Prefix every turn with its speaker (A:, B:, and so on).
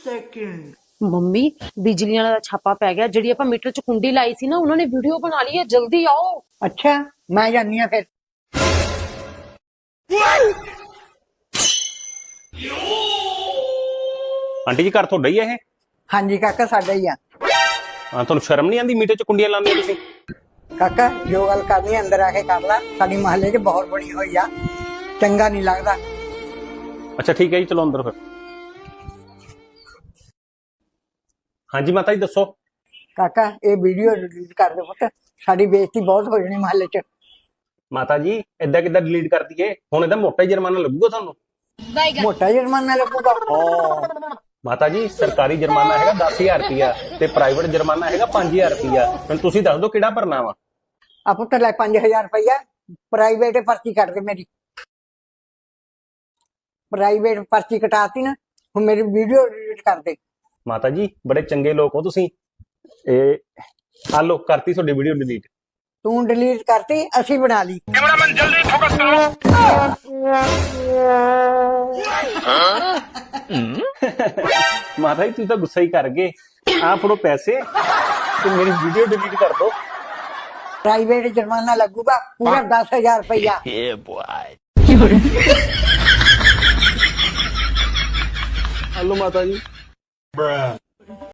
A: second.
B: Mummy ਬਿਜਲੀ ਵਾਲਾ ਦਾ ਛਾਪਾ ਪੈ ਗਿਆ। ਜਿਹੜੀ ਆਪਾਂ ਮੀਟਰ ਚ ਕੁੰਡੀ ਲਾਈ ਸੀ ਨਾ, ਉਹਨਾਂ ਨੇ ਵੀਡੀਓ ਬਣਾ ਲਈ ਹੈ। ਜਲਦੀ ਆਓ।
C: ਅੱਛਾ ਮੈਂ ਜਾਨੀ ਆ ਫਿਰ।
D: ਆਂਟੀ ਜੀ ਘਰ ਤੁਹਾਡਾ ਹੀ ਹੈ ਇਹ?
C: ਹਾਂਜੀ ਕਾਕਾ ਸਾਡਾ ਹੀ ਆ।
D: ਹਾਂ, ਤੁਹਾਨੂੰ ਸ਼ਰਮ ਨਹੀਂ ਆਉਂਦੀ ਮੀਟਰ 'ਚ ਕੁੰਡੀਆਂ ਲਾਉਂਦੇ ਹੋ ਤੁਸੀਂ?
C: ਕਾਕਾ ਜੋ ਗੱਲ ਕਰਨੀ ਹੈ ਅੰਦਰ ਆ ਕੇ ਕਰ ਲੈ। ਸਾਡੀ ਮਹੱਲੇ 'ਚ ਬਹੁਤ ਬਣੀ ਹੋਈ ਆ, ਚੰਗਾ ਨਹੀਂ ਲੱਗਦਾ।
D: ਅੱਛਾ ਠੀਕ ਹੈ ਜੀ, ਚਲੋ ਅੰਦਰ ਫਿਰ। ਹਾਂਜੀ ਮਾਤਾ ਜੀ ਦੱਸੋ।
C: ਕਾਕਾ ਇਹ ਵੀਡੀਓ ਡਿਲੀਟ ਕਰ ਦੇ ਪੁੱਤ, ਸਾਡੀ ਬੇਇੱਜ਼ਤੀ ਬਹੁਤ ਹੋ ਜਾਣੀ ਮਹੱਲੇ 'ਚ।
D: ਮਾਤਾ ਜੀ ਏਦਾਂ ਕਿੱਦਾਂ ਡਿਲੀਟ ਕਰ ਦਈਏ? ਹੁਣ ਇਹਦਾ ਮੋਟਾ ਹੀ ਜੁਰਮਾਨਾ ਲੱਗੂਗਾ ਤੁਹਾਨੂੰ।
C: ਮੋਟਾ ਜੁਰਮਾਨਾ ਲੱਗੂਗਾ?
D: ਮਾਤਾ ਜੀ ਸਰਕਾਰੀ ਜੁਰਮਾਨਾ ਹੈਗਾ 10,000 ਰੁਪਇਆ ਤੇ ਪ੍ਰਾਈਵੇਟ ਜੁਰਮਾਨਾ ਹੈਗਾ 5,000 ਰੁਪਇਆ। ਹੁਣ ਤੁਸੀਂ ਦੱਸ ਦਿਓ ਕਿਹੜਾ ਭਰਨਾ ਵਾ।
C: ਆ ਪੁੱਤ ਲੈ 5,000 ਰੁਪਇਆ, ਪ੍ਰਾਈਵੇਟ ਪਰਚੀ ਕੱਟ ਦੇ ਮੇਰੀ। ਪ੍ਰਾਈਵੇਟ ਪਰਚੀ ਕਟਾਤੀ ਨਾ, ਹੁਣ ਮੇਰੀ ਵੀਡੀਓ ਡਿਲੀਟ ਕਰ ਦੇ।
D: ਮਾਤਾ ਜੀ ਬੜੇ ਚੰਗੇ ਲੋਕ ਹੋ ਤੁਸੀਂ। ਇਹ ਆ ਲੋ ਕਰਤੀ ਤੁਹਾਡੀ ਵੀਡੀਓ ਡਿਲੀਟ।
C: ਤੂੰ ਡਿਲੀਟ ਕਰਤੀ, ਅਸੀਂ ਬਣਾ ਲਈ।
E: कैमरामैन जल्दी फोकस करो।
D: ਮਾਤਾ ਜੀ ਤੁਸੀਂ ਤਾਂ ਗੁੱਸਾ ਹੀ ਕਰ ਗਏ। ਆ ਫੜੋ ਪੈਸੇ ਤੇ ਮੇਰੀ ਵੀਡੀਓ ਡਿਲੀਟ ਕਰ ਦਿਓ।
C: ਪ੍ਰਾਈਵੇਟ ਜੁਰਮਾਨਾ ਲੱਗੂਗਾ ਪੂਰਾ 10,000 ਰੁਪਇਆ।
D: ਹਲੋ ਮਾਤਾ ਜੀ।